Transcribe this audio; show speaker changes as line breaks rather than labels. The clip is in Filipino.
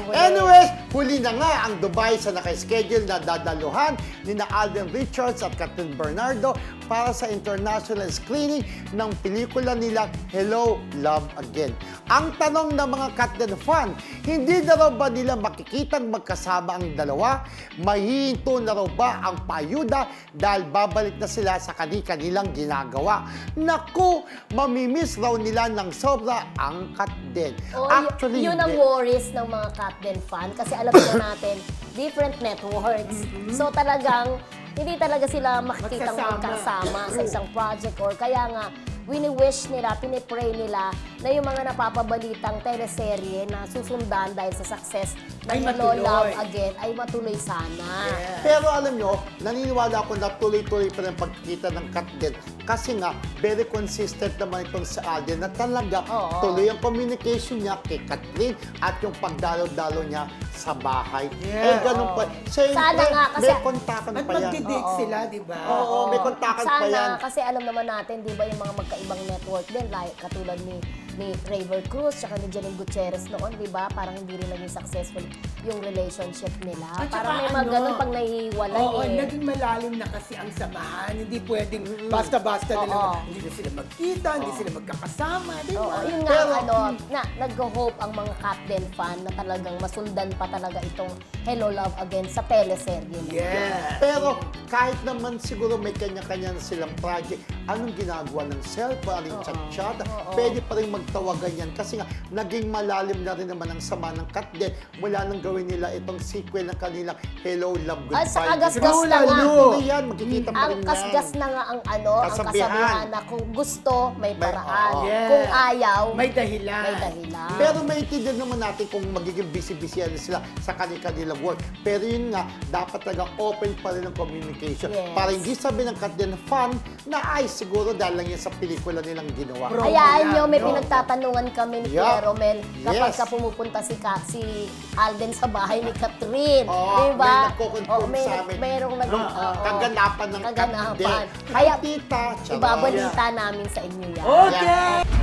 Anyways, huli na nga ang Dubai sa naka-schedule na dadaluhan ni na Alden Richards at Catherine Bernardo para sa international screening ng pelikula nila Hello, Love Again. Ang tanong ng mga Catherine fan, hindi na raw ba nila makikitang magkasama ang dalawa? Mahihinto na raw ba ang paayuda dahil babalik na sila sa kanilang ginagawa? Naku, mamimiss raw nila ng sobra ang Catherine.
Oh,
Actually,
yun ang
hindi.
worries ng mga Catden fan kasi alam na natin, different networks. So talagang, hindi talaga sila makikitang magkasama sa isang project or kaya nga, wini-wish nila, pinipray nila na yung mga napapabalitang teleserye na susundan dahil sa success ng Hello, Love Again ay matuloy sana.
Yeah. Pero alam nyo, naniniwala ako na tuloy-tuloy pa rin pagkikita ng Catherine kasi nga, very consistent naman itong sa Alden na talaga tuloy ang communication niya kay Catherine at yung pagdalo-dalo niya sa bahay.
Yeah.
Ganun pa. Siyempre,
Sana nga, kasi-
may kontakan
At
pa yan.
magdidig sila, di ba?
Oo, may kontakan pa yan.
Sana, kasi alam naman natin, di ba, yung mga magkaibang network din, like, katulad ni Raver Cruz, tsaka ni Janine Gutierrez noon, di ba? Parang hindi rin naging successful yung relationship nila.
At
Parang
saka
may mga
ano,
ganun pag nahihiwalay
Oo,
eh.
naging malalim na kasi ang samahan. Hindi pwedeng basta-basta nila. Hindi na sila magkita, hindi sila magkakasama, di ba?
Oo, yun nga,
Pero-
nag-hope ang mga Captain fan na talagang masundan pa talaga itong Hello, Love Again sa teleserye nila.
Yeah.
Pero kahit naman siguro may kanya-kanya na silang project, anong ginagawa ng cellphone, anong chat-chat, pwede pa rin magtawagan yan. Kasi nga, naging malalim na rin naman ang sama ng Catherine mula nang gawin nila itong sequel ng kanilang Hello, Love, Goodbye.
At sa kagasgas na nga,
Tuloy yan, magkikita pa
ang
rin yan.
kasgas na nga ang kasabihan na kung gusto, may paraan.
Yeah.
Kung ayaw,
May dahilan.
may dahilan.
Pero maintindihan naman natin kung magiging busy-busy sila sa kanilang work. Pero yun nga, dapat talaga open pa rin ang communication.
Yes.
Para hindi sabi ng Catherine fan na ay siguro dahil lang yan sa pelikula nilang ginawa.
Bro.
Hayaan nyo, may
Bro.
pinagtatanungan kami ni
Yeah.
Kuya Romel kapag
Yes.
ka pumupunta si Alden sa bahay ni Catherine.
Oo,
diba?
may nagko-confirm sa amin.
Mayroong
Kaganapan ng
kaganapan.
Catherine.
Kaya
Ay, tita, charot.
ibabalita namin sa inyo yan.
Okay!